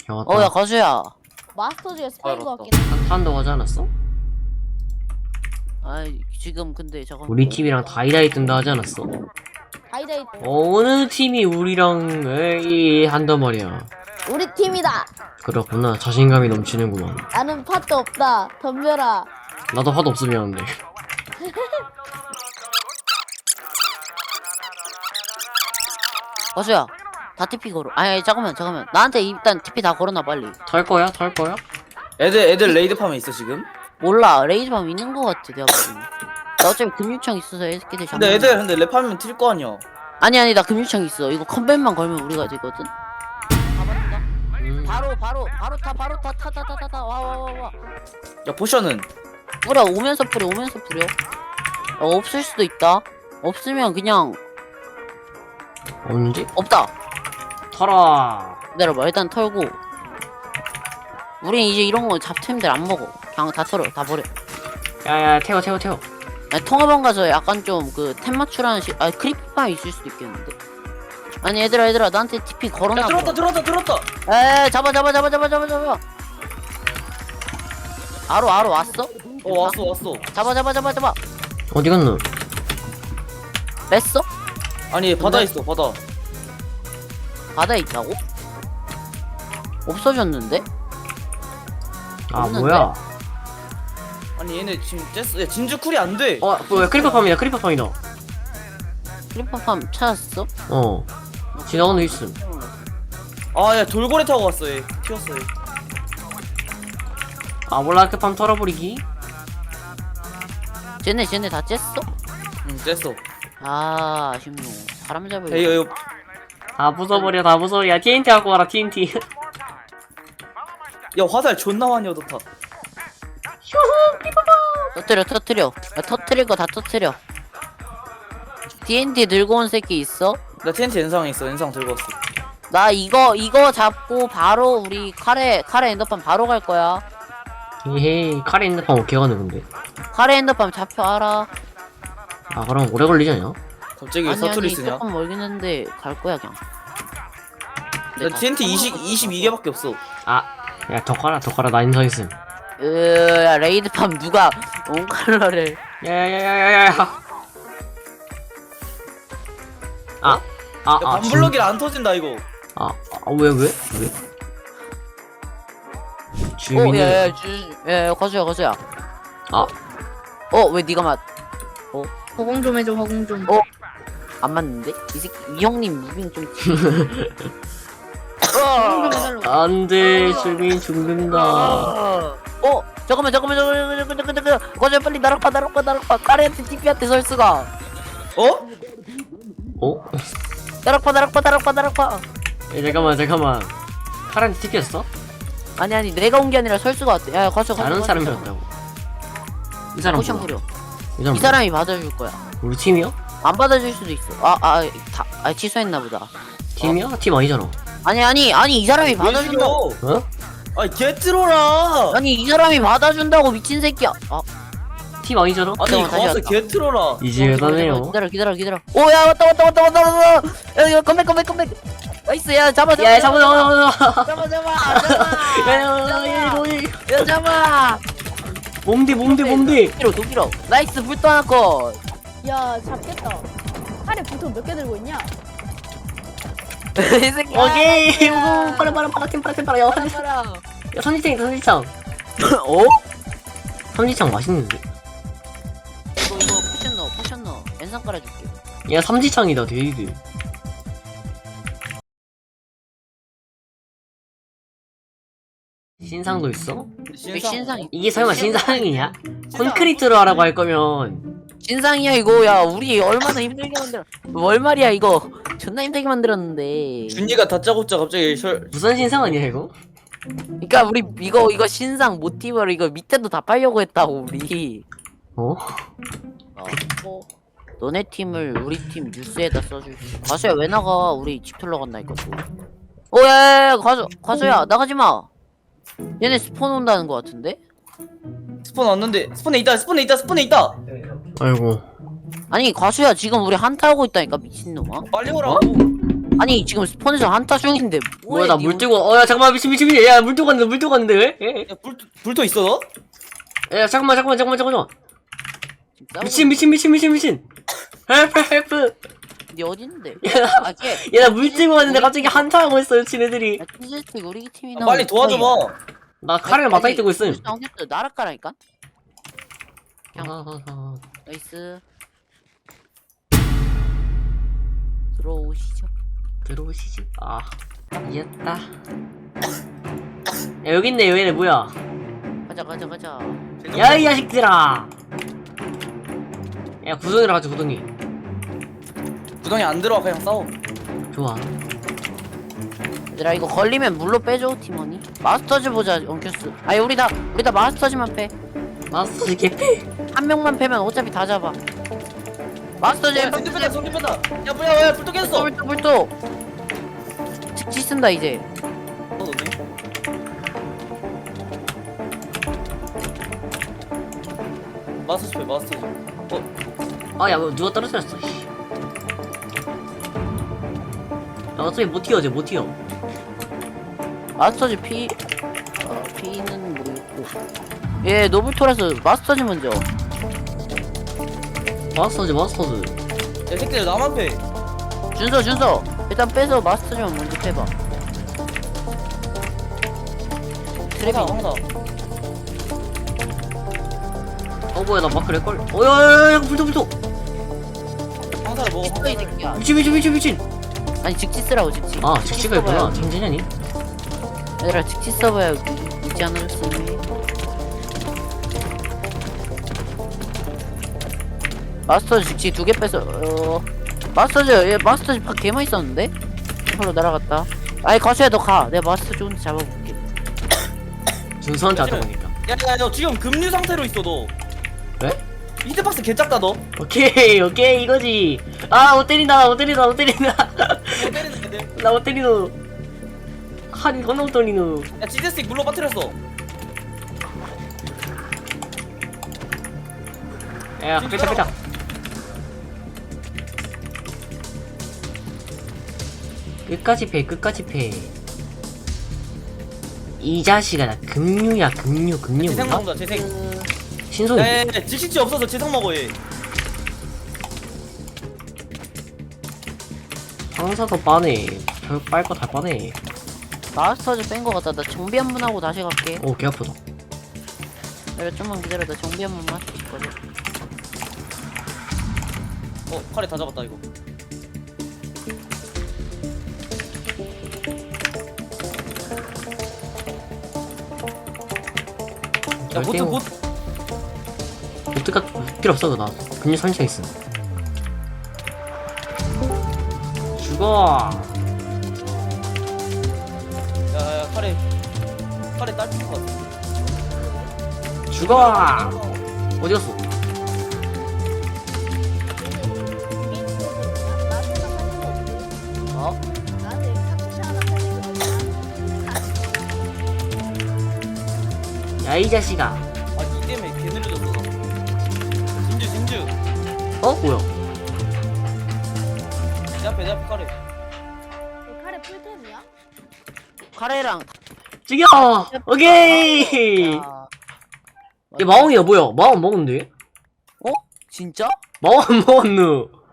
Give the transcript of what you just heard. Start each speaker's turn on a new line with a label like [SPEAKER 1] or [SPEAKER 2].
[SPEAKER 1] 야 왔다.
[SPEAKER 2] 야 가수야.
[SPEAKER 3] 마스터즈가 스파인 것 같긴 해.
[SPEAKER 1] 한다고 하지 않았어?
[SPEAKER 2] 아이 지금 근데 잠깐.
[SPEAKER 1] 우리 팀이랑 다이다이 뜬다 하지 않았어?
[SPEAKER 3] 다이다이
[SPEAKER 1] 어느 팀이 우리랑 에이 한단 말이야.
[SPEAKER 3] 우리 팀이다.
[SPEAKER 1] 그렇구나. 자신감이 넘치는구만.
[SPEAKER 3] 나는 팟도 없다. 덤벼라.
[SPEAKER 1] 나도 화도 없으면 하는데.
[SPEAKER 2] 가수야. 다 TP 걸어. 아니 잠깐만. 나한테 일단 TP 다 걸어놔 빨리.
[SPEAKER 1] 털 거야? 털 거야?
[SPEAKER 4] 애들 레이드 팜에 있어 지금?
[SPEAKER 2] 몰라. 레이즈밤 있는 거 같아 내가 보기엔. 나 어차피 금유청 있어서 애들끼리 잡는.
[SPEAKER 4] 근데 애들 랩 팜이면 튈 거 아니야.
[SPEAKER 2] 아니 나 금유청 있어. 이거 컴뱃만 걸면 우리가 되거든. 가봤다.
[SPEAKER 1] 음.
[SPEAKER 2] 바로 타. 와.
[SPEAKER 4] 야 포션은?
[SPEAKER 2] 뿌려 오면서 뿌려. 없을 수도 있다. 없으면 그냥
[SPEAKER 1] 없는지?
[SPEAKER 2] 없다.
[SPEAKER 1] 털어.
[SPEAKER 2] 기다려봐. 일단 털고. 우린 이제 이런 거 잡템들 안 먹어. 그냥 다 털어. 다 버려.
[SPEAKER 1] 야야 태워.
[SPEAKER 2] 아니, 통화방 가서 약간 좀 그 템 맞추라는 크리프팜 있을 수도 있겠는데. 아니 얘들아 나한테 TP 걸어놔.
[SPEAKER 4] 야 들었다.
[SPEAKER 2] 에 잡아. 아로 왔어?
[SPEAKER 4] 왔어.
[SPEAKER 2] 잡아.
[SPEAKER 1] 어디 갔노?
[SPEAKER 2] 뺐어?
[SPEAKER 4] 아니 바다 있어 바다.
[SPEAKER 2] 바다에 있다고? 없어졌는데?
[SPEAKER 1] 아
[SPEAKER 2] 없는데?
[SPEAKER 1] 뭐야?
[SPEAKER 4] 아니 얘네 지금 쬐어. 야 진주쿨이 안 돼.
[SPEAKER 1] 뭐야 크리퍼팜이다.
[SPEAKER 2] 크리퍼팜 찾았어?
[SPEAKER 1] 어. 지나가는 데 있음.
[SPEAKER 4] 아야 돌고래 타고 왔어 얘. 튀었어 얘.
[SPEAKER 1] 아 몰라 크팜 털어버리기.
[SPEAKER 2] 쟤네 다 쬐어?
[SPEAKER 4] 응 쬐어.
[SPEAKER 2] 아 아쉽노. 사람 잡을.
[SPEAKER 4] 야 이거
[SPEAKER 1] 다 부숴버려. 야 TNT 갖고 와라 TNT.
[SPEAKER 4] 야 화살 존나 많이 얻었다.
[SPEAKER 2] 터뜨려. 야, 터뜨릴 거 다 터뜨려. TNT 들고 온 새끼 있어?
[SPEAKER 4] 나 TNT 엔상에 있어. 엔상 들고 왔어.
[SPEAKER 2] 나 이거 잡고 바로 우리 카레 엔더팜 바로 갈 거야.
[SPEAKER 1] 에헤이 칼에 있는 팜 어떻게 가는 건데?
[SPEAKER 2] 카레 엔더팜 잡혀 알아.
[SPEAKER 1] 아 그럼 오래 걸리지 않냐?
[SPEAKER 4] 갑자기 사투리 쓰냐?
[SPEAKER 2] 조금 멀긴 한데 갈 거야 그냥.
[SPEAKER 4] 나 TNT 22개밖에 없어.
[SPEAKER 1] 야 더 깔아 나 인성 있음.
[SPEAKER 2] 야 레이드팜 누가 온칼러를.
[SPEAKER 1] 야야야야야야.
[SPEAKER 4] 야 반블럭이라 안 터진다 이거.
[SPEAKER 1] 왜? 주민이.
[SPEAKER 2] 야야 거수야. 왜 니가
[SPEAKER 3] 허공 좀 해줘. 허공 좀.
[SPEAKER 2] 안 맞는데? 이 새끼 이 형님 무빙 좀.
[SPEAKER 3] 허공 좀 해달라고.
[SPEAKER 1] 안돼 주민 죽는다.
[SPEAKER 2] 잠깐만. 거수야 빨리 나락파. 카레한테 TP한테 설 수가.
[SPEAKER 4] 어?
[SPEAKER 2] 나락파.
[SPEAKER 1] 야, 잠깐만. 카란티 튀겼어?
[SPEAKER 2] 아니 내가 온 게 아니라 설 수가 왔대. 야 거수.
[SPEAKER 1] 다른 사람이었다고. 이 사람
[SPEAKER 2] 포션
[SPEAKER 1] 뭐야?
[SPEAKER 2] 부려.
[SPEAKER 1] 이 사람
[SPEAKER 2] 이 사람이 받아줄 거야.
[SPEAKER 1] 우리 팀이야?
[SPEAKER 2] 안 받아줄 수도 있어. 취소했나 보다.
[SPEAKER 1] 팀이야? 팀 아니잖아.
[SPEAKER 2] 아니 이 사람이
[SPEAKER 4] 왜
[SPEAKER 2] 받아준다고.
[SPEAKER 4] 죽여?
[SPEAKER 1] 어?
[SPEAKER 4] 아니 개트로라.
[SPEAKER 2] 아니 이 사람이 받아준다고 미친 새끼야.
[SPEAKER 1] 팀 아니잖아?
[SPEAKER 4] 아니
[SPEAKER 2] 잠깐만, 다시
[SPEAKER 4] 가서
[SPEAKER 2] 왔다.
[SPEAKER 4] 개트로라.
[SPEAKER 1] 이제 대단해요.
[SPEAKER 2] 기다려. 오야 왔다. 야 이거 컴백. 나이스 야 잡아.
[SPEAKER 1] 야 잡아.
[SPEAKER 2] 야 잡아.
[SPEAKER 1] 몸대.
[SPEAKER 2] 도끼로. 나이스 불도 하나 컷.
[SPEAKER 3] 야 잡겠다. 팔에 불통 몇 개 들고 있냐?
[SPEAKER 2] 이 새끼.
[SPEAKER 1] 오케이. 빨라. 야
[SPEAKER 2] 봐라.
[SPEAKER 1] 선지창. 선지창 맛있는데.
[SPEAKER 2] 이거 포션 넣어. 엔상 깔아줄게.
[SPEAKER 1] 야 삼지창이다 데이드. 신상도 있어?
[SPEAKER 2] 신상이.
[SPEAKER 1] 이게 설마 신상이냐? 콘크리트로 하라고 할 거면
[SPEAKER 2] 신상이야 이거. 야 우리 얼마나 힘들게 만들어. 월 말이야 이거. 존나 힘들게 만들었는데.
[SPEAKER 4] 준이가 다짜고짜 갑자기
[SPEAKER 1] 무슨 신상 아니야 이거?
[SPEAKER 2] 그러니까 우리 이거 신상 모티브로 이거 밑에도 다 빨려고 했다고 우리.
[SPEAKER 1] 어?
[SPEAKER 2] 너네 팀을 우리 팀 뉴스에다 써줄게. 가수야 왜 나가? 우리 집 털러 간다니까 또. 야 가수야 나가지 마. 얘네 스폰 온다는 거 같은데?
[SPEAKER 4] 스폰 왔는데 스폰에 있다.
[SPEAKER 1] 아이고.
[SPEAKER 2] 아니 가수야 지금 우리 한타 하고 있다니까 미친놈아.
[SPEAKER 4] 빨리 오라고.
[SPEAKER 2] 아니 지금 스폰에서 한타 중인데
[SPEAKER 1] 뭐야 나 물 뜨고 야 잠깐만 미친 야물 뜨고 갔는데 왜?
[SPEAKER 4] 야 불도 있어 너?
[SPEAKER 1] 야 잠깐만 미친 헬프
[SPEAKER 2] 니 어딨는데?
[SPEAKER 1] 야
[SPEAKER 2] 아걔
[SPEAKER 1] 나 물 뜨고 왔는데 갑자기 한타하고 있어 지네들이.
[SPEAKER 2] 야 찌질틱 우리 팀이
[SPEAKER 4] 아, 빨리 도와줘봐.
[SPEAKER 1] 나 칼을 맞다이 뜨고 있음.
[SPEAKER 2] 나락가라니까?
[SPEAKER 1] 아.
[SPEAKER 2] 나이스 들어오시죠.
[SPEAKER 1] 들어오시지. 아 이겼다. 야 여기 있네 얘네 뭐야?
[SPEAKER 2] 가자
[SPEAKER 1] 야 이 자식들아. 야 구덩이라 가자 구덩이.
[SPEAKER 4] 구덩이 안 들어와 그냥 싸워.
[SPEAKER 1] 좋아.
[SPEAKER 2] 얘들아 이거 걸리면 물로 빼줘 팀원이. 마스터즈 보자 원큐스. 아니 우리 다 마스터즈만 빼.
[SPEAKER 1] 마스터 개피.
[SPEAKER 2] 한 명만 빼면 어차피 다 잡아. 마스터즈
[SPEAKER 4] 야 손 뺀다 손 뺀다. 야 뭐야 불도 깼어.
[SPEAKER 2] 불도 즉시 쓴다 이제.
[SPEAKER 4] 마스터 줘 마스터 줘.
[SPEAKER 1] 아야 누가 떨어뜨렸어. 씨. 야 어차피 못 튀어 못 튀어.
[SPEAKER 2] 마스터즈 피는 모르겠고. 예 노블토라서 마스터즈 먼저.
[SPEAKER 1] 마스터즈.
[SPEAKER 4] 야 새끼들 나만 패.
[SPEAKER 2] 준서 일단 빼서 마스터즈만 먼저 빼봐. 트랩이
[SPEAKER 4] 황사.
[SPEAKER 1] 뭐야 나 마크 렉걸. 야야야 불토.
[SPEAKER 4] 황사를 먹어.
[SPEAKER 2] 있어 이 새끼야.
[SPEAKER 1] 미친.
[SPEAKER 2] 아니 직지 쓰라고 직지.
[SPEAKER 1] 아 직지가 있구나.
[SPEAKER 2] 써봐야지.
[SPEAKER 1] 천재냐니?
[SPEAKER 2] 얘들아 직지 써봐야 있지 않았으니. 마스터즈 직지 2개 뺐어. 마스터즈 파 개만 있었는데? 바로 날아갔다. 아니 가수야 너 가. 내가 마스터즈 혼자 잡아볼게.
[SPEAKER 1] 준서한테 하다 보니까.
[SPEAKER 4] 야야 너 지금 금류 상태로 있어 너.
[SPEAKER 1] 왜?
[SPEAKER 4] 히트박스 개 작다 너.
[SPEAKER 1] 오케이 이거지. 아 못 때린다.
[SPEAKER 4] 너 때리는 애들.
[SPEAKER 1] 나 못 때리노. 한이 겁나 못 때리노.
[SPEAKER 4] 야 지제스틱 물로 빠뜨렸어.
[SPEAKER 1] 야 끄자. 끝까지 패. 이 자식아 나 금류야 금류
[SPEAKER 4] 재생
[SPEAKER 1] 뭔가?
[SPEAKER 4] 먹는다 재생.
[SPEAKER 1] 신손이.
[SPEAKER 4] 야야야 직식지 없어서 재생 먹어 얘.
[SPEAKER 1] 황사도 빠네. 별 빨거 다 빠네.
[SPEAKER 2] 마스터즈 뺀 거 같다. 나 정비 한 번 하고 다시 갈게.
[SPEAKER 1] 오 개 아프다.
[SPEAKER 2] 내가 좀만 기다려. 나 정비 한 번만 할수 있거든.
[SPEAKER 4] 칼에 다 잡았다 이거. 야 보트 보트.
[SPEAKER 1] 보트가 필요 없어 나. 금류 선생 있음. 죽어.
[SPEAKER 4] 야야 칼에 딸 필요가 같아.
[SPEAKER 1] 죽어. 어디 갔어?
[SPEAKER 2] 어?
[SPEAKER 1] 야 이 자식아.
[SPEAKER 4] 아니 때문에 개 느려졌어 나. 진주.
[SPEAKER 1] 뭐야?
[SPEAKER 4] 내 앞에 칼에.
[SPEAKER 3] 칼에 풀템이야?
[SPEAKER 2] 카레랑
[SPEAKER 1] 죽여. 오케이.
[SPEAKER 2] 아,
[SPEAKER 1] 얘 마왕이야 뭐야? 마왕 먹었는데?
[SPEAKER 2] 진짜?
[SPEAKER 1] 마왕 먹었누.